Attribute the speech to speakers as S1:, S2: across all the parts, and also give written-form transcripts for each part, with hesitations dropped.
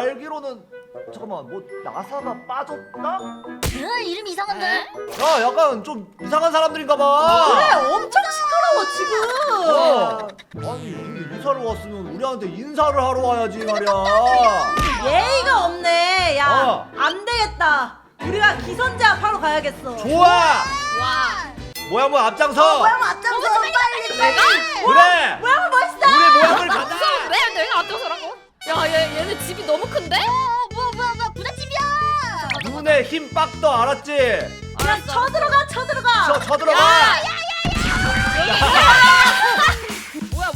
S1: 알기로는 잠깐만 뭐 나사가 빠졌나?
S2: 이름 이상한데?
S1: 야 약간 좀 이상한 사람들인가봐.
S3: 그래 엄청 시끄러워 지금.
S1: 아니 우리 이사를 왔으면 우리한테 인사를 하러 와야지 말이야.
S3: 예의가 없네. 야,
S1: 어.
S3: 안 되겠다. 우리가 기선제압 하러 가야겠어.
S1: 좋아.
S2: 와.
S1: 모양 앞장서.
S3: 모양 앞장서 빨리
S2: 내가?
S1: 그래.
S3: 모양 멋있어.
S1: 우리 모양을 가자.
S2: 내가 앞장서라고? 야, 얘네 집이 너무 큰데? 뭐야, 부잣집이야.
S1: 눈에 힘 빡 떠 알았지?
S3: 야, 쳐들어가.
S1: 쳐들어가.
S2: 뭐야.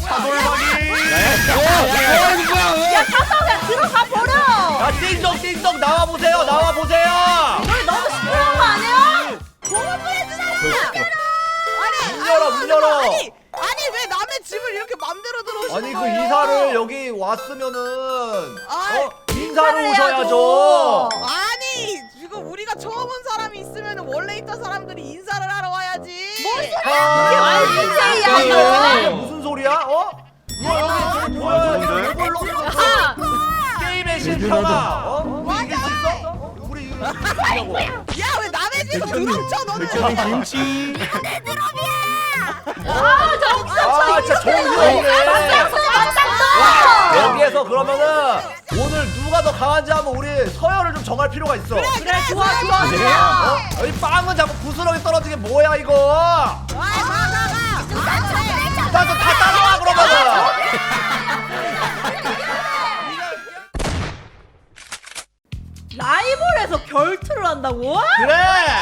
S3: 야, 가서 그냥 들어가 버려.
S1: 야 띵동 나와 보세요.
S3: 너희 너무 시끄러운 거 아니야?
S1: 문 열어.
S4: 아니 왜 남의 집을 이렇게 맘대로 들어오시는
S1: 아니 그
S4: 거예요?
S1: 이사를 여기 왔으면은
S4: 아이,
S1: 인사를
S3: 인사를
S1: 오셔야죠.
S4: 아니 지금 우리가 처음 온 사람이 있으면 원래 있던 사람들이 인사를 하러 와야지.
S1: 아,
S3: 무슨 소리야,
S1: 이게
S3: 이거?
S1: 무슨 소리야? 여기 뭐야?
S2: 아,
S1: 게임의 실패가 우리 이길 수 있어? 우리 이기려고.
S4: 야 왜 남의 집을 들어쳐 너는?
S5: 김치.
S1: 아 진짜 정신없네. 여기에서 그러면은 오늘 누가 더 강한지 한번 우리 서열을 좀 정할 필요가 있어.
S3: 그래, 좋아.
S1: 여기 빵은 자꾸 부스러기 떨어지게 뭐야 이거? 나도 다 따라와 그러면은.
S3: 라이벌에서 결투를 한다고?
S1: 그래.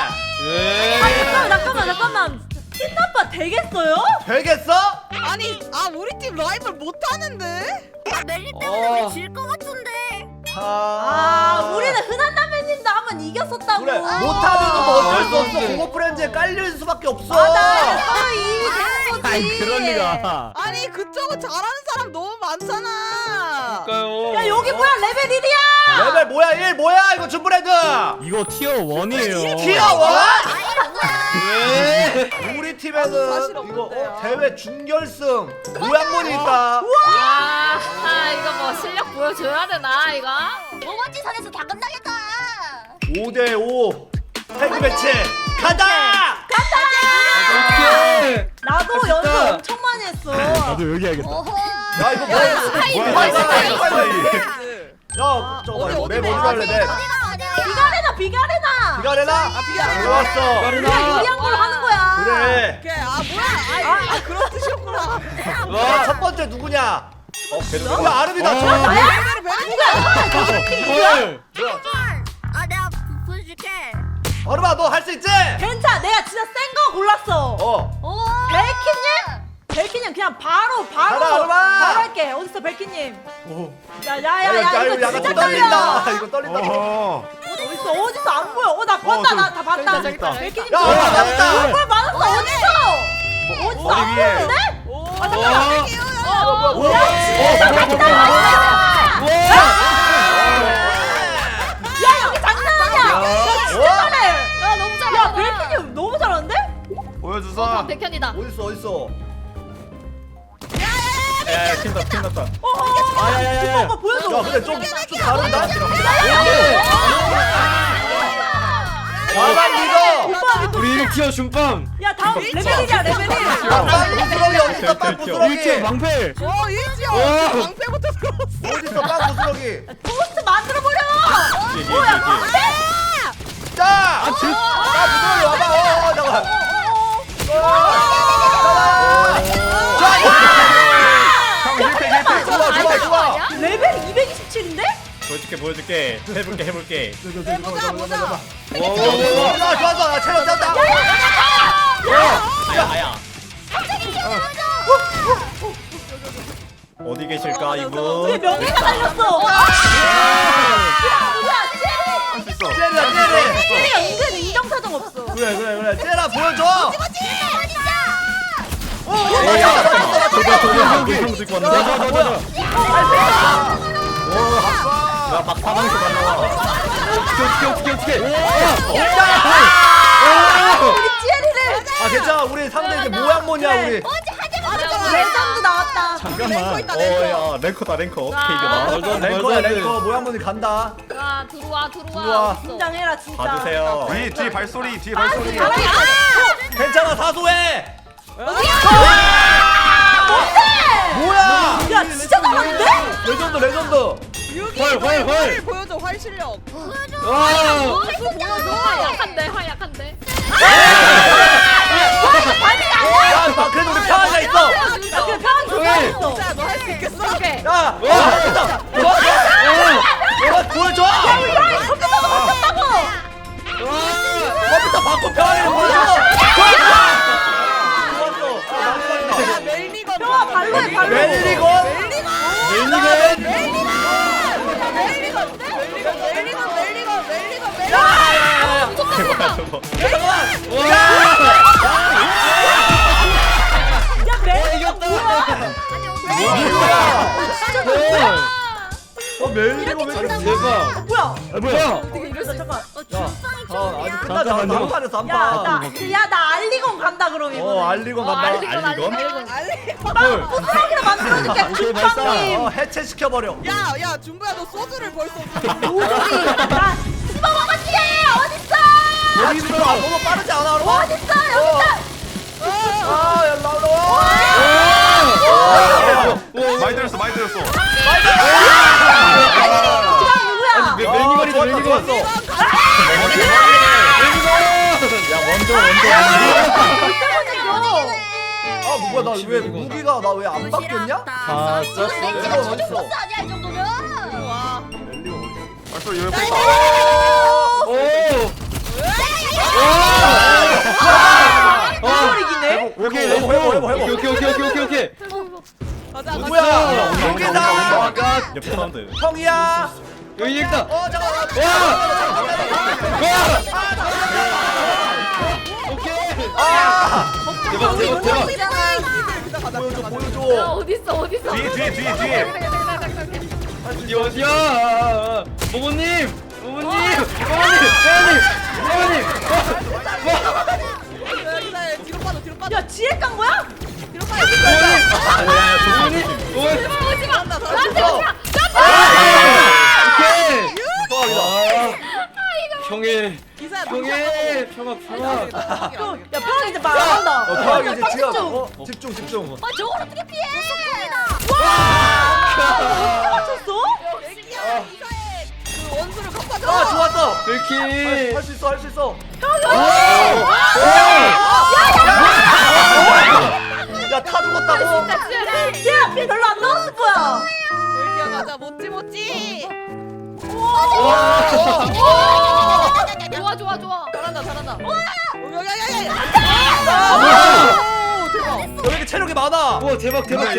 S3: 잠깐만. 틴나빠 되겠어요?
S1: 되겠어?
S4: 아니 우리 팀 라이벌 못하는데?
S2: 멜리
S1: 때문에
S2: 우리 질 것 같은데.
S3: 우리는 흔한 남매님도 한번 이겼었다고.
S1: 그래 못하면 뭐 어쩔 수 없어. 공업 프렌즈에 깔릴 수밖에 없어.
S3: 맞아. 서로 이익이 되는 거지.
S5: 아이 그럴 리가.
S4: 아니 그쪽은 잘하는 사람 너무 많잖아.
S5: 그러니까요.
S3: 야, 여기 뭐야? 레벨 1이야.
S1: 레벨 뭐야 1 뭐야 이거 준브레드.
S5: 이거 티어 1이에요.
S1: 티어 1?
S5: 왜?
S1: 우리
S4: 사실
S1: 팀에는 이거
S4: 없는데요.
S1: 대회 준결승 모양문이 있다.
S2: 이거 뭐 실력 보여줘야 되나 이거?
S6: 모먼지 선에서 다 끝나겠다.
S1: 5대5 태그 매치 가자.
S5: 오케이.
S3: 나도
S5: 할 수
S3: 연습
S5: 있다.
S3: 엄청 많이 했어.
S5: 나도 여기 해야겠다.
S6: 어허.
S1: 야 이거 뭐야? 야 잠깐만 이거 맵 어디로 할래 맵?
S3: 비가레나.
S1: 비가레나?
S4: 비가레나.
S1: 좋았어.
S3: 우리가 유리한 걸로 하는 거야.
S1: 그래.
S4: 뭐야? 그런 뜻이었구나.
S1: 자, 첫 번째 누구냐? 걔는 야 아름이다.
S5: 헐.
S6: 내가 보여줄게.
S1: 아름아 너 할 수 있지?
S3: 괜찮아. 내가 진짜 센 거 골랐어.
S1: 어.
S3: 벨키님 그냥 바로
S1: 가라, 아름아.
S3: 할게. 어딨어 벨키님?
S1: 오.
S3: 야야야 이거
S1: 약간
S3: 진짜
S1: 좀
S3: 떨려.
S1: 떨린다. 이거 떨린다.
S3: 어딨어 안 보여. 나 봤다. 나 다 봤다.
S2: 저기 있다.
S3: 벨키님
S1: 야 맞았다.
S3: 얼굴 맞았어. 어딨어 안 보이는데? 야 여기 장난 아니야. 야 진짜 잘해.
S2: 야 너무 잘해.
S3: 야 벨키님 너무 잘하는데?
S5: 보여주사.
S2: 백현이다.
S1: 어딨어?
S5: 야, 킨다.
S3: 야야야야. 오빠 보여줘.
S1: 야 근데 좀 다른다. 과반 리더.
S3: 오빠
S5: 우리 이거 티어 중빵.
S3: 야 다음 레벨 1이야 레벨 1.
S1: 야, 빵 부스러기 어딨어? 빵 부스러기.
S5: 1티어 방패.
S4: 일지야.
S5: 어.
S4: 방패부터 들어왔어.
S1: 어딨어? 빵 부스러기.
S3: 토스트 만들어버려.
S1: 자. 부스러기 와봐. 잠깐. 좋아.
S3: 레벨 227인데?
S5: 보여줄게. 해볼게.
S4: 보자.
S1: 좋아. 나 체력 떴다.
S5: 아야. 어디 계실까
S3: 우리
S5: 이분?
S3: 명예가 달렸어.
S1: 쟤라.
S3: 쟤가 은근 인정사정 없어.
S1: 그래. 쟤라 보여줘.
S5: 형 들고 왔는데. 야 막사방에서 날라와. 어떻게.
S3: 우리 찌엘이를.
S1: 괜찮아. 우리 상대 이제 모양 뭐냐 우리.
S3: 레전드 나왔다.
S4: 랭커 있다 랭커.
S5: 야 랭커다 랭커. 어떻게 이겨나?
S1: 랭커야 랭커 모양문이 간다.
S2: 자 들어와
S1: 들어와.
S2: 어딨어?
S3: 긴장해라 진짜.
S5: 봐주세요.
S1: 뒤에 발소리 뒤에 발소리.
S7: 괜찮아 사소해.
S1: 뭐야?
S3: 야 진짜 나왔는데?
S1: 레전드 레전드.
S5: 헐.
S4: 보여줘 활 실력.
S2: 하약한데
S7: 야 그래도 우리 평화가 있어.
S3: 야 그래 평안 좋아했어.
S4: 진짜 너 할 수 있겠어?
S2: 오케이
S7: 야 됐다. 보여줘. 컴퓨터 바꿔 평화를 보여줘.
S4: 야 멜리건.
S3: 평화 발로해 발로.
S7: 멜리곤.
S5: 저거.
S3: 야 멜리건 뭐야?
S1: 멜리고 왜 이렇게
S5: 대박.
S3: 뭐야?
S5: 뭐야?
S2: 어떻게 이럴 수 있어?
S7: 아직 끝나지 않았어. 한 판에서 한 판.
S3: 야나 알리건 간다 그럼 이번에.
S1: 알리곤 간다.
S5: 알리건?
S3: 부스러기를 만들어줄게. 국방님.
S1: 해체시켜 버려.
S4: 야야 중구야 너 소주를 벌써.
S3: 오돌이. 나 씹어먹었지. 어딨어?
S1: 여기 있어. 너무 빠르지 않아?
S3: 어딨어 여기다.
S1: 야 나와.
S8: 많이 들었어 많이 들었어.
S5: 멜리건이다 멜리건. 야 원조.
S1: 아 뭐야 나 왜 무기가 나 왜 안 바뀌었냐?
S6: 아
S1: 멜리곤 어딨어?
S6: 보스 아니야 이 정도면?
S4: 와.
S8: 벌써 옆에
S3: 이기네.
S5: 오케이.
S1: 해보.
S5: 오케이.
S4: 가자
S1: 누구야? 여기다.
S5: 옆에 사운드.
S1: 형이야.
S5: 여기 있다.
S1: 잠깐만.
S5: 오케이.
S1: 아
S5: 대박.
S1: 보여줘.
S2: 야 어딨어
S8: 뒤에
S5: 이게 어디야? 모모님.
S4: 뒤로 빠져 뒤로 빠져.
S3: 야 지혜 깐 거야?
S2: 오지마
S4: 잘한다,
S2: 나한테
S4: 잘한다.
S2: 오지마
S5: 형의
S4: 기사야
S5: 평화.
S3: 야 평안 이제 말 안 한다.
S1: 평하게 이제
S3: 집중.
S1: 집중.
S6: 아 저걸 어떻게 피해?
S3: 맞췄어?
S4: 애기야 기사의 그 원수를 갚아줘.
S1: 아 좋았어.
S5: 이렇게.
S1: 할 수 있어. 야 타 죽었다고.
S3: 지혜야 피 별로 안 나왔을 거야.
S4: 애기야 가자 못지.
S2: 좋아
S4: 잘한다. 야야야야. 오 대박.
S1: 왜 이렇게 체력이 많아?
S5: 와 대박.
S3: 점점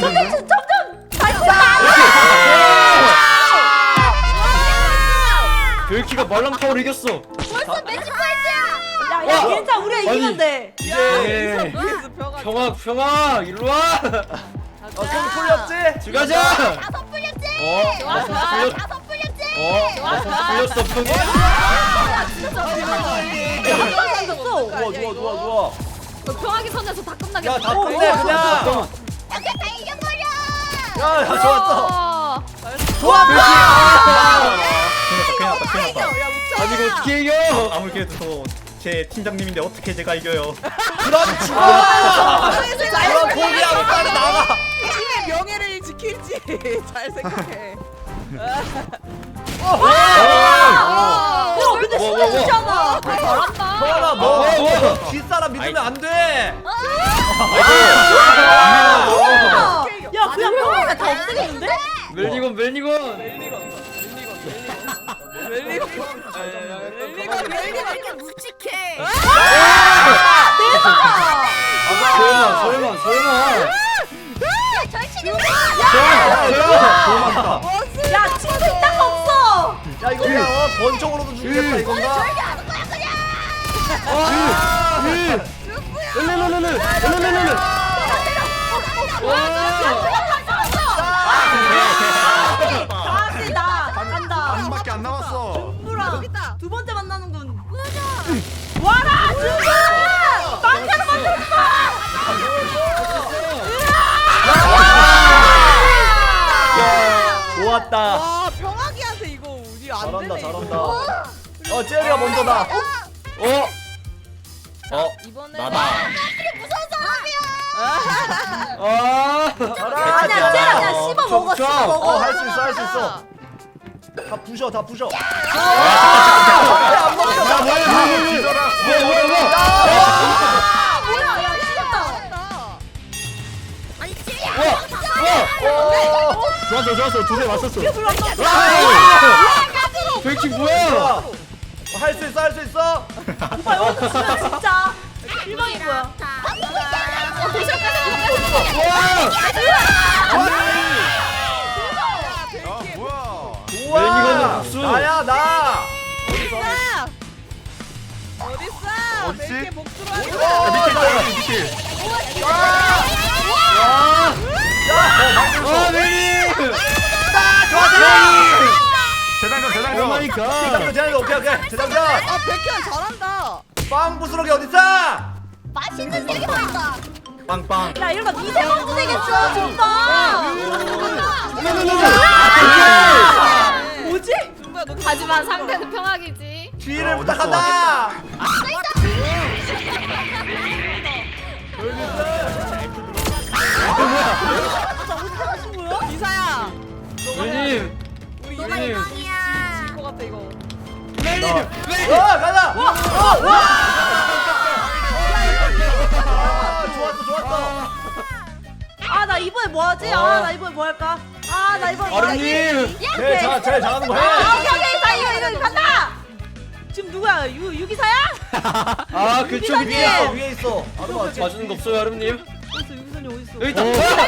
S5: 별키가 말랑타워를 이겼어.
S6: 벌써 매직 포인트야.
S3: 야 괜찮아 우리가 이기면 돼.
S5: 예. 평화 일로 와.
S1: 좀 풀렸지?
S5: 들어가자.
S6: 다섯 풀렸지.
S2: 좋아
S6: 다섯 풀렸지.
S5: 풀렸어 평화.
S1: 좋아.
S2: 평하게 선에서 다 끝나겠어
S1: 야 다 끝내 그냥.
S6: 다 이겨버려.
S1: 야 좋았어.
S5: 큰일 났다.
S4: 야
S5: 아니 이거
S4: 묵차.
S5: 어떻게 이겨? 아무리 그래도 제 팀장님인데 어떻게 제가 이겨요?
S1: 그럼 죽어. 그럼 포기하고 빨리 나가.
S4: 팀의 명예를 지킬지 잘 생각해.
S3: 야 근데 신경 쓰잖아.
S2: 잘한다
S1: 서연아 너
S5: 와.
S1: 뒷사람 믿으면 안 돼.
S3: 야 그냥 평화가 다 없애겠는데?
S5: 멜리건.
S4: 멜리건.
S6: 이렇게 묵직해.
S5: 설마.
S6: 절친이
S3: 야 친구 있다가 없어.
S1: 야 이거 그냥 번쩍으로도 죽겠다 이건가?
S6: 절대 안 거야 그냥.
S3: 다시 나 간다.
S8: 반밖에 안 남았어.
S3: 누구랑
S4: 있다.
S3: 두 번째 만나는군. 와라 준아! 빵카로 만들었어.
S4: 와 평화기한테 이거 우리 안
S7: 잘한다
S4: 되네.
S7: 잘한다.
S4: 이거.
S7: 젤리가 먼저다.
S4: 이번에
S3: 나다.
S7: 잘하.
S3: 아니야 쟤랑 그냥 씹어 먹어 씹어 먹어.
S7: 할 수 있어 할 수 있어. 다 부셔 다 부셔.
S8: 야 뭐야 뒤져라.
S3: 뭐야 야 씹었다.
S6: 아니 찌.
S5: 좋았어 두 대 맞췄어. 백치 뭐야?
S7: 할 수 있어 할 수 있어.
S3: 오빠 여기서 지면 진짜 실망인 거야.
S8: 야 뭐야.
S7: 좋아.
S5: 이거는 국수.
S7: 나야 나.
S4: 어딨어?
S8: 어딨지?
S4: 벨게 복수로 하는
S8: 야,
S4: 거야.
S8: 밑에 있다 여기 밑에. 재장전 재장전.
S5: 오마이갓.
S7: 재장전 오케이 재장전.
S4: 아 백현 잘한다.
S7: 빵 부스러기 어딨어?
S6: 맛있는 얘기 많다.
S7: 빵빵.
S3: 야 이러다 미세먼지 되겠어 오빠. 뭐지?
S4: 중구야 너
S2: 하지만 상대는 평화기지.
S7: 뒤를
S8: 어딨어?
S7: 부탁한다.
S4: 이사야.
S5: 웬님.
S4: 우리
S6: 너가
S4: 이대님
S6: 이상이야.
S4: 질것 같아 이거.
S7: 가자. 좋았어.
S3: 아 나 이번에 뭐 하지? 아 나 이번에 뭐 할까? 아 나 이번에 뭐 하지?
S5: 아름님.
S7: 제일 잘하는 거 해.
S3: 오케이 자 이거 간다. 지금 누구야? 유기사야?
S5: 아 그쪽
S3: 미사님.
S5: 위에
S7: 위에 있어. 아르마.
S5: 봐주는 거 없어요 아름님?
S3: 어딨어 유기사님 어딨어?
S5: 여기 있다.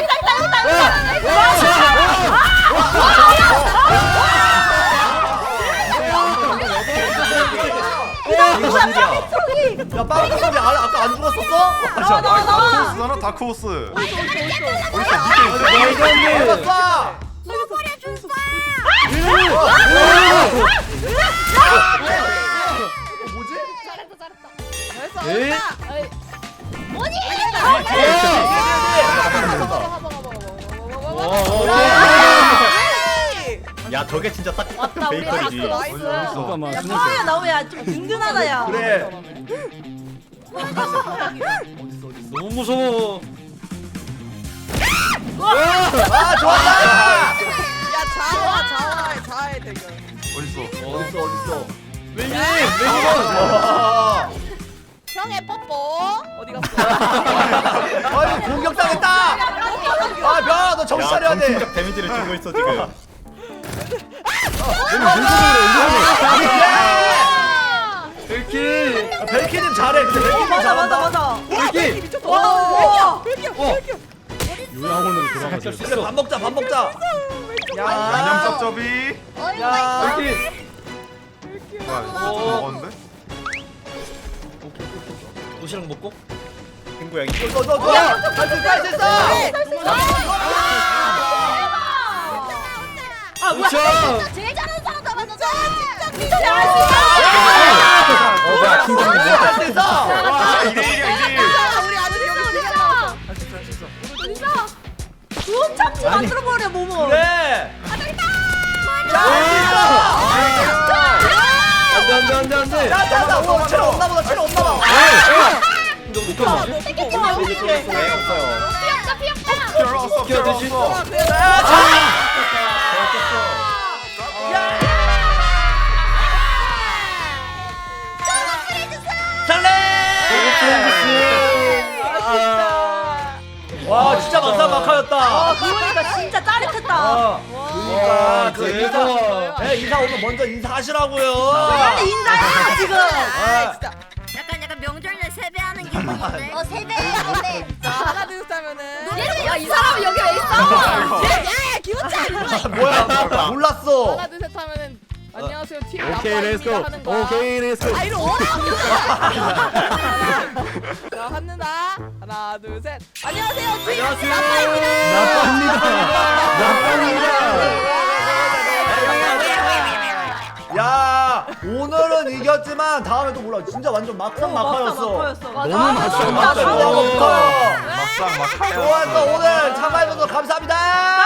S7: 야 빵 부스러기 아까 안 죽었었어?
S8: 다크호스잖아 다크호스. 어디 있어 밑에 있어.
S7: 맞았어. 뭐지?
S4: 잘했어.
S5: 에이?
S4: 잘했다.
S5: 야 저게 진짜 딱
S2: 왔다 우리 왔어.
S4: 나이스.
S5: 잠깐만.
S3: 야 파워야 나오면 야좀 든든하다 야.
S7: 그래.
S5: 너무 무서워.
S7: 아 좋았다.
S4: 야 자아의 대결.
S8: 어디 있어.
S7: 어딨어?
S5: 웬님.
S7: 와.
S4: 형의 뽀뽀 어디 갔어?
S7: 아니 공격당했다. 아 병아 너 정신 차려야 돼.
S5: 정신적 데미지를 주고 있어 지금. 벨키.
S7: 벨키님 잘해. 근데 벨키님
S3: 맞아
S7: 잘한다.
S3: 맞아.
S5: 벨키.
S4: 미쳤다.
S3: 와.
S5: 요양원으로 돌아가자.
S7: 그래 밥 먹자.
S8: 안녕 쩝쩝이.
S7: 야.
S5: 벨키.
S8: 뭐야 이거 먹었는데?
S5: 도시락 먹고. 친구야 이거.
S7: 할수 있어.
S3: 아 뭐야?
S6: 제일 잘하는 사람 잡았어.
S3: 진짜 잘할 수 있어.
S5: 뭐야 팀장님.
S7: 할수 있어.
S8: 와 2대1이야.
S4: 우리 아들 여기 두개 남았어.
S3: 좋은 착지 만들어 버려 모모.
S7: 그래.
S5: 안돼.
S7: 야, 오, 체력 없나 보다.
S5: 너 누가 뭐지? 왜 없어요?
S8: 들어왔어
S5: 끼어드시.
S8: 들어왔어.
S7: 와, 진짜 막상막하였다.
S3: 아 그러니까 진짜 짜릿했다.
S7: 그러니까 그 인사, 인사 오면 먼저 인사하시라고요.
S3: 빨리 인사해 지금.
S4: 아 진짜.
S6: 약간 명절날 세배하는 기분인데.
S3: 세배.
S4: 자 하나 둘 셋 하면은.
S2: 야이 사람은 여기 왜 있어?
S4: 기분차.
S7: 뭐야? 몰랐어.
S4: 하나 둘 셋 하면은 안녕하세요 팀
S5: 오케이 렛츠고.
S4: 나빠입니다 하는 거야.
S5: 오케이 렛츠고.
S4: 아 이거 어려워. 자 한누나 하나 둘 셋. 안녕하세요 팀 나빠입니다.
S5: 나빠입니다.
S7: 야, 오늘은 이겼지만 다음에 또 몰라. 진짜 완전 막상막하였어.
S3: 맞아.
S5: 너무
S3: 진짜
S5: 맞아.
S3: 잘하고 있어.
S8: 막상 막하여.
S7: 좋았어. 오늘 참가해주셔서 감사합니다.